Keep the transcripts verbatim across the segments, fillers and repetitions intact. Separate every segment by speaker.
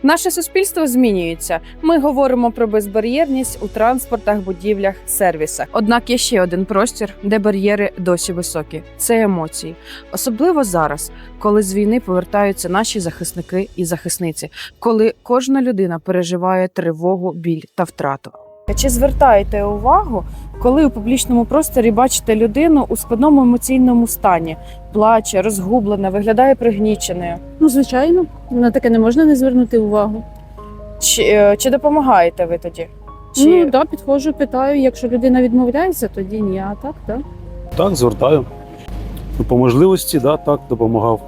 Speaker 1: Наше суспільство змінюється. Ми говоримо про безбар'єрність у транспортах, будівлях, сервісах. Однак є ще один простір, де бар'єри досі високі – це емоції. Особливо зараз, коли з війни повертаються наші захисники і захисниці, коли кожна людина переживає тривогу, біль та втрату. Чи звертаєте увагу, коли у публічному просторі бачите людину у складному емоційному стані, плаче, розгублена, виглядає пригніченою?
Speaker 2: Ну, звичайно, на таке не можна не звернути увагу.
Speaker 1: Чи, е, чи допомагаєте ви тоді? Чи...
Speaker 2: Ну, да, підходжу, питаю, якщо людина відмовляється, тоді ні, а так, так.
Speaker 3: Так, звертаю. Ну, по можливості, да, так, допомагав.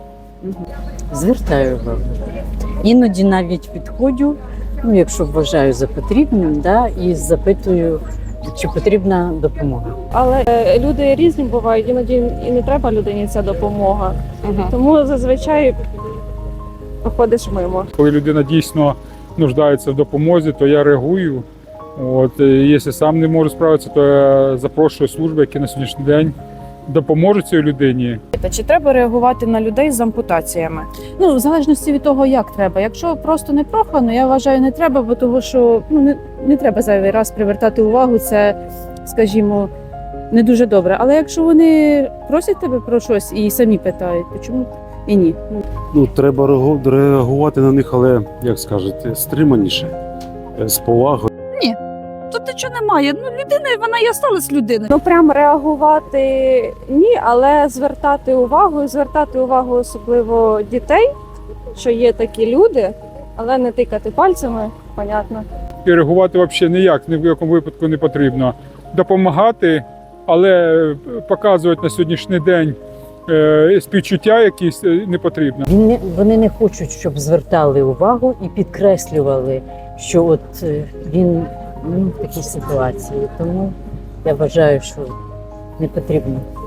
Speaker 4: Звертаю увагу. Іноді навіть підходжу, ну, якщо вважаю за потрібним, да, і запитую, чи потрібна допомога.
Speaker 5: Але е, люди різні бувають, іноді і не треба людині ця допомога.
Speaker 1: Ага.
Speaker 5: Тому зазвичай проходиш мимо.
Speaker 6: Коли людина дійсно нуждається в допомозі, то я реагую. От, і якщо сам не можу справитися, то я запрошую служби, які на сьогоднішній день допоможуть цій людині.
Speaker 1: Чи треба реагувати на людей з ампутаціями?
Speaker 2: Ну, в залежності від того, як треба. Якщо просто не прохано, я вважаю, не треба, бо того, що ну, не, не треба зайвий раз привертати увагу, це, скажімо, не дуже добре. Але якщо вони просять тебе про щось і самі питають, то чому і ні? Ну,
Speaker 3: Ну, треба реагу- реагувати на них, але, як скажете, стриманіше, е, з повагою.
Speaker 7: Тут нічого немає. Ну, людина, вона і осталась людиною.
Speaker 5: Ну прям реагувати ні, але звертати увагу, і звертати увагу особливо дітей, що є такі люди, але не тикати пальцями, понятно.
Speaker 6: І реагувати взагалі ніяк, ні в якому випадку не потрібно. Допомагати, але показувати на сьогоднішній день е, співчуття якісь е, не потрібно.
Speaker 4: Він не- Вони не хочуть, щоб звертали увагу і підкреслювали, що от е, він ну, в такій ситуації. Тому я вважаю, що не потрібно.